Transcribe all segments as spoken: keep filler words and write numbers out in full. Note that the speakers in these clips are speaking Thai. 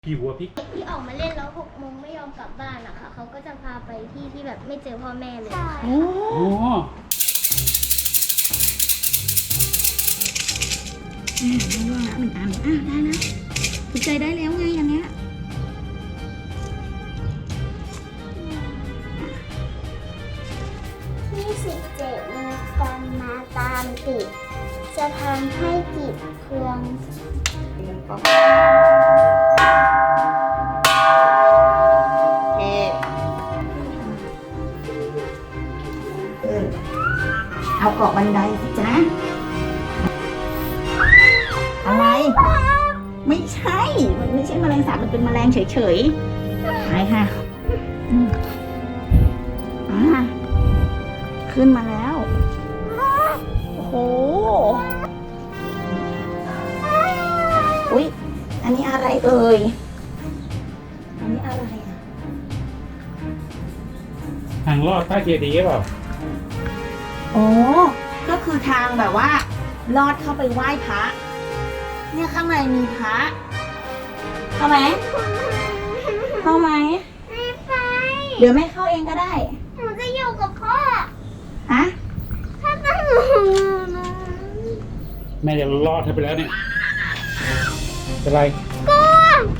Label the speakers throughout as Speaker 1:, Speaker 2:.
Speaker 1: ผีหัวพริก
Speaker 2: ที่ออกมาเล่นแล้วหกโมงไม่ยอมกลับบ้านอะค่ะเขาก็จะพาไปที่ที่แบบไม่เจอพ่อแม่เลยโอ้โห
Speaker 3: นี่ได้ด้วยละหนึ่งอันอ่ะได้นะถูกใจได้แล้วไงอันเนี้ย
Speaker 2: ยี่สิบเจ็ดมีกันมาตามติดจะทำให้จิตเคือง
Speaker 3: เอาเกาะบันไดสิจ๊ะอะไรไม่ใช่มันไม่ใช่แมลงสาบมันเป็นแมลงเฉยๆไปค่ะอ่าขึ้นมาแล้วโอ้โหอุ๊ยอันนี้อะไรเอ่ยอันนี้อะไรอ่ะ
Speaker 1: ทางลอดใต้เจดีย์เปล่า
Speaker 3: โอ้ก็คือทางแบบว่าลอดเข้าไปไหว้พระเนี่ยข้างในมีพระเข้าไหมเข้าไหม
Speaker 2: ไม่ไป
Speaker 3: เดี๋ยวแม่เข้าเองก็ได้
Speaker 2: หนูจะอยู่กับพ่อ
Speaker 3: ฮะ
Speaker 2: ถ้าต้องอยู่นะ
Speaker 1: แม่จะลอดให้ไปแล้วเนี่ยเป็นไร
Speaker 2: กลัว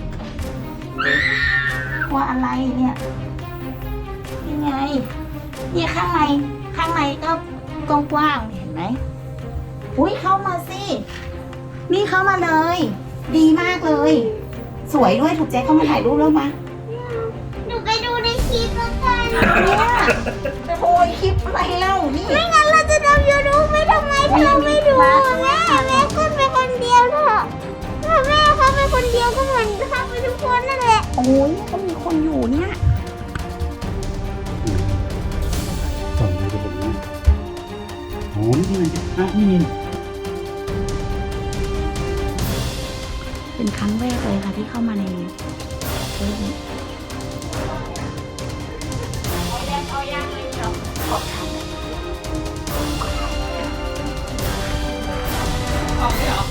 Speaker 3: กลัวอะไรเนี่ยยังไงเนี่ยข้างในข้างในก็กว้างๆเห็นไหมอุ้ยเข้ามาสินี่เข้ามาเลยดีมากเลยสวยด้วยถูกใจเข้ามาถ่ายรูปแล้วมา
Speaker 2: หนูไปดูในคลิปแล้วกัน
Speaker 3: เนี่ยโอ้ยคลิปอะไรเล่านี่
Speaker 2: ไม่งั้นเราจะทำยูทูบไม่ทำไมเธอไม่ดูแม่แม่ขึ้นไปคนเดียวเถอะถ้าแม่เขาไปคนเดียวก็เหมือนเข้าไปทุกคนนั่นแหละ
Speaker 3: โอ้ยก็มีคนอยู่เนี่ย
Speaker 1: ส่งมาจะผมนะโอ้นี่ไงอ่ะนี่
Speaker 3: เป็นครั้งแรกเลยค่ะที่เข้ามาในนี้เอายังเอายังเลยเหรอออกทางออกไม่หรอ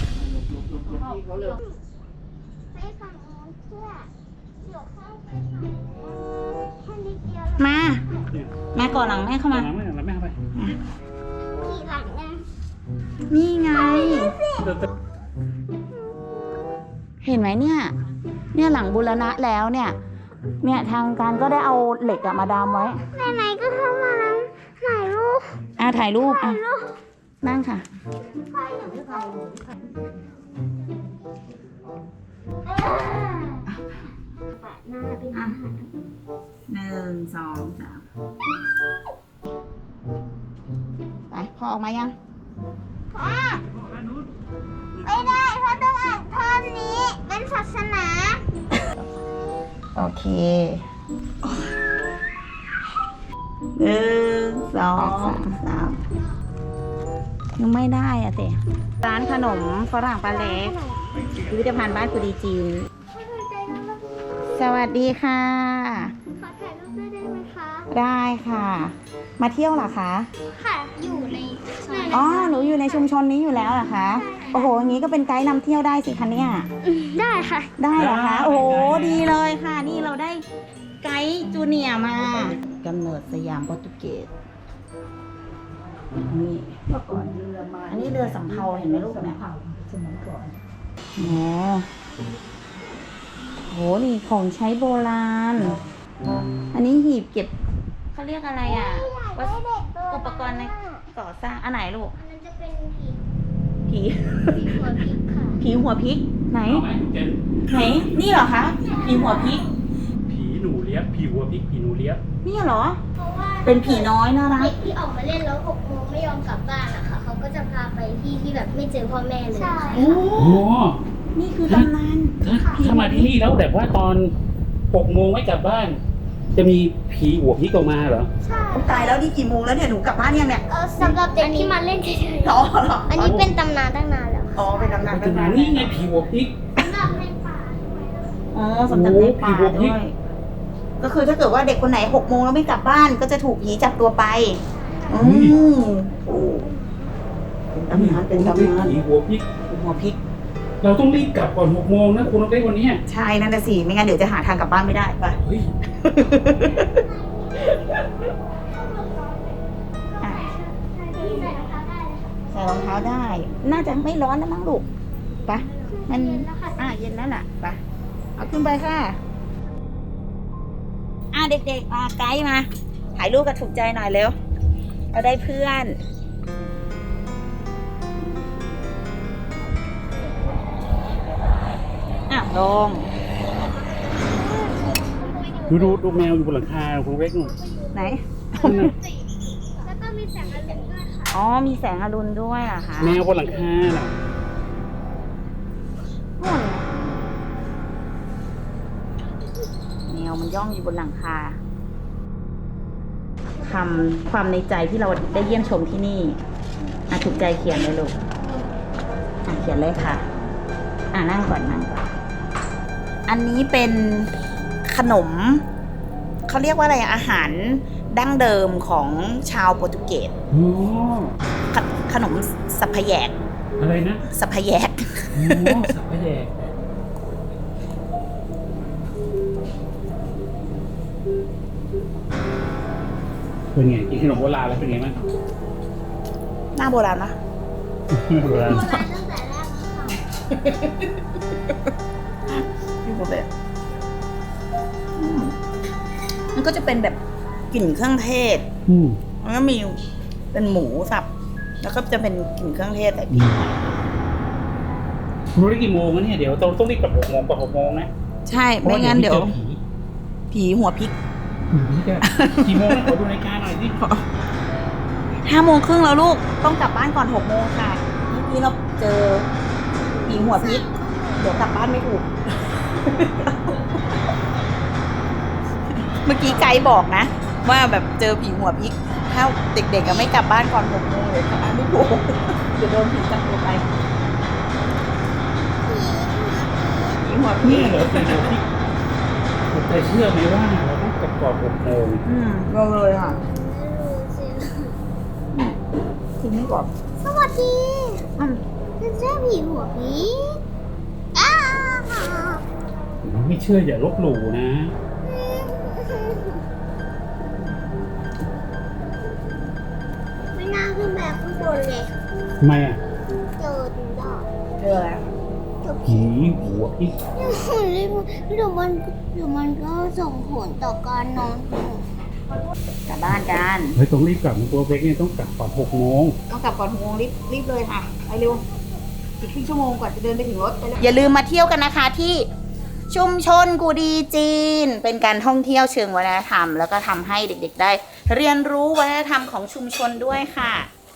Speaker 2: ไปฝั่งโน้นเพื่อเดี๋ยวเข้าไปแค่นิดเดียว
Speaker 3: มามาก่อนหลังแม่เข้ามา
Speaker 1: หลังแม่หลังแม่เข้าไป
Speaker 2: ขี่หลังไง
Speaker 3: นี่ไงเห็นไหมเนี่ยเนี่ยหลังบูรณะแล้วเนี่ยเนี่ยทางการก็ได้เอาเหล็กมาดามไว้
Speaker 2: ไหนๆก็เข้ามาแล้วถ่ายรูป
Speaker 3: อ่ะถ่ายรูปอ่ะนั่งค่ะหนึ่งสองสามไปพอออกมายัง
Speaker 2: ไม่ได้เพราะต้องอ่านท่อนนี้เป็นศาสนา
Speaker 3: โอเคหนึ่งสองสามยังไม่ได้อะเต๋ร้านขนมฝรั่งปลาเล็กพิพิธภัณฑ์บ้านกุดีจีนสวัสดีค่ะ
Speaker 2: ขอถ่ายรูปด้วยได้ไหมคะ
Speaker 3: ได้ค่ะมาเที่ยวเหรอคะ
Speaker 2: ค่ะอยู่ใน
Speaker 3: อ๋อหนูอยู่ในชุมชนนี้อยู่แล้วเหรอคะโอ้โหอย่างนี้ก็เป็นไกด์นำเที่ยวได้สิคะเนี่ย
Speaker 2: ได้ค่ะ
Speaker 3: ได้เหรอคะโอ้โหดีเลยค่ะนี่เราได้ไกด์จูเนียร์มากำเนิดสยามโปรตุเกสนี่เมื่อก่อนเรือมาอันนี้เรือสำเภาเห็นไหมลูกเนี่ยสมัยก่อนโอ้โหนี่ของใช้โบราณอันนี้หีบเก็บเขาเรียกอะไรอ่ะอุปกรณ์ในก่อสร้างอันไหนลูก
Speaker 2: อันนั้นจะเป็นผี
Speaker 3: ผี
Speaker 2: ผีหัวพริกค่ะ
Speaker 3: ผีหัวพริกไหนไหนนี่เหรอคะผีหัวพริก
Speaker 1: ผีหนูเลี้ยบผีหัวพริกผีหนูเลี้ยบ
Speaker 3: นี่เหรอเป็นผีน้อยน่ารัก
Speaker 2: เด็กที่ออกมาเล่นแล้วหกโมงไม่ยอมกลับบ้านอะค่ะเขาก็จะพาไปที่ที่แบบไม่เจอพ่อแม่เลย
Speaker 3: โอ้นี่คือตำนาน
Speaker 1: ถ้ามาที่นี่แล้วแบบว่าตอนหกโมงไม่กลับบ้านจะมีผีหัวพริกออกมาเหรอ
Speaker 2: ใช่
Speaker 3: ตายแล้วนี่กี่โมงแล้วเนี่ยหนูกลับบ้านยังเนี่ย
Speaker 2: เออสำหรับเด็กที่มาเล่นเฉยๆ
Speaker 3: อ๋อ
Speaker 2: อันนี้เป็นตำนานตั้งนานแล้ว
Speaker 3: อ๋อเป็นตำนานตั้งนาน
Speaker 1: นี่ไงผีหัวพริก
Speaker 2: สำหรับในป่า
Speaker 3: อ๋อสำหรับในป่าด้วยก็คือถ้าเกิดว่าเด็กคนไหนหกโมงแล้วไม่กลับบ้านก็จะถูกผีจับตัวไปอืมเป็นตำนานเป็นตำนาน
Speaker 1: ผีหัวพริก
Speaker 3: หัวพริก
Speaker 1: เราต้องรีบกลับก่อนหกโมงนะคุณนกเล็กวันนี้
Speaker 3: ใช่นั่นน่ะสิไม่งั้นเดี๋ยวจะหาทางกลับบ้านไม่ได้ไป
Speaker 1: เฮ้ย
Speaker 3: อ่ะใส่รองเท้าได้ น่าจะไม่ร้อนนะมั้งลูกไปะมันอ่ะเย็นแล้วล่ะไปะเอาขึ้นไปค่ะอ่ะเด็กๆมาไกด์มาถ่ายรูปกับถูกใจหน่อยเร็วเราได้เพื่อนอ่ะลง
Speaker 1: ดูดูดูแมวอยู่บนหลังคาคุณนกเล็กนู่น
Speaker 3: ไหน
Speaker 1: นั่นน่ะ
Speaker 2: แล้วก็มีแสงอรุณด้วยค่ะ
Speaker 3: อ๋อมีแสงอรุณด้วยเหรอะคะ
Speaker 1: แมวบนหลังคาน่ะ
Speaker 3: นู่นแมวมันย่องอยู่บนหลังคาคำความในใจที่เราได้เยี่ยมชมที่นี่อ่ะถูกใจเขียนเลยลูกอ่ะเขียนเลยค่ะ อ่ะนั่งก่อนนั่งก่อนอันนี้เป็นขนมเขาเรียกว่าอะไรอาหารดั้งเดิมของชาวโปรตุเกส
Speaker 1: อ๋อ
Speaker 3: ขขนมสัพพแยก
Speaker 1: อะไรนะ
Speaker 3: สัพพแยก
Speaker 1: อ๋อสับปะแดกเป็นไงกินขนมโบราณแล้วเป็นไงบ้าง
Speaker 3: หน้าโบราณนะ
Speaker 1: โบราณ
Speaker 2: โบราณตั้งแต่แรกค่ะ
Speaker 3: พี่โบแบบอืมมันก็จะเป็นแบบกลิ่นเครื่องเทศ
Speaker 1: อืม
Speaker 3: มันก็มีเป็นหมูสับ แล้วก็จะเป็นกลิ่นเครื่องเทศใส่พริก
Speaker 1: รู้ได้กี่โมงแล้วเนี่ยเดี๋ยวต้องต้องรีบกลับหกโมงกว่าหกโมงนะ
Speaker 3: ใช่ ไม่งั้นเดี๋ยว
Speaker 1: พราะาผี
Speaker 3: ผีหัวพริก
Speaker 1: ผีจะกี่โมงนะขอดูนาฬิกาหน่อยสิ
Speaker 3: ห้าโมงครึ่งแล้วลูก ต้องกลับบ้านก่อนหกโมงค่ะ เมื่อกี้เราเจอผีหัวพริก เดี๋ยวกลับบ้านไม่ถูก เมื่อกี้ไกด์บอกนะ ว่าแบบเจอผีหัวพริก ถ้าเด็กๆก็ไม่กลับบ้านก่อนหกโมงเดี๋ยวกลับบ้านไม่ถูก เดี๋ยวโดนผีจับตัวไปผีหัวพริ
Speaker 1: เนี่
Speaker 3: ก
Speaker 1: ยเหรอเป็นหัวพี่ผมเคยเชื่อไหมว่าเราต้องกลับก่อนหกโมง
Speaker 3: อืมเราเลยค่ะ
Speaker 2: ไม่รู้สิ
Speaker 3: ทีนี้ก่อน
Speaker 2: สวัสดี
Speaker 3: อืม
Speaker 2: เป็นเจ้าผีหัวผีอ้าว
Speaker 1: ไม่เชื่ออย่าลบหลู่นะ
Speaker 2: ไม่น่าขึ้นแบบข้างบนเลย
Speaker 1: ทำไมอ่ะ
Speaker 2: เจอถึงดอก
Speaker 3: เจอแล้ว
Speaker 2: เจอผี
Speaker 1: ผีหัวพี่
Speaker 2: เดี๋ยวมันเดี๋ยวมันก็ส่งผลต่อการนอนของหนู
Speaker 3: กลับบ้านกัน
Speaker 1: เฮ้ยต้องรีบกลับนะตัวเล็กเนี่ยต้องกลับก่อนหกโมง
Speaker 3: ต้องกลับก่อนหกโมงรีบรีบเลยค่ะ ไปเร็ว อีกครึ่งชั่วโมงกว่าจะเดินไปถึงรถอย่าลืมมาเที่ยวกันนะคะที่ชุมชนกูดีจีน เป็นการท่องเที่ยวเชิงวัฒนธรรม แล้วก็ทำให้เด็กๆได้ เรียนรู้วัฒนธรรมของชุมชนด้วยค่ะไป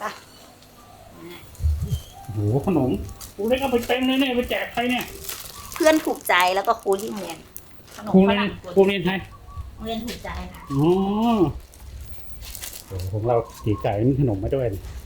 Speaker 1: โอ้โหขนมตัวเล็กเอาไปเต็มเลยเนี่ยไปแจกใครเนี่ย
Speaker 3: เพื่อนถูกใจแล้วก็ครูที่โรงเรียนขนม
Speaker 1: ครู
Speaker 3: ฝ
Speaker 1: เรียน
Speaker 3: รั่ง
Speaker 1: ครูเรียนไทย
Speaker 3: โรงเรียนถูกใจค่ะ
Speaker 1: อ๋อโอ้โหของเราสีไก่มีขนมมาด้วยนี่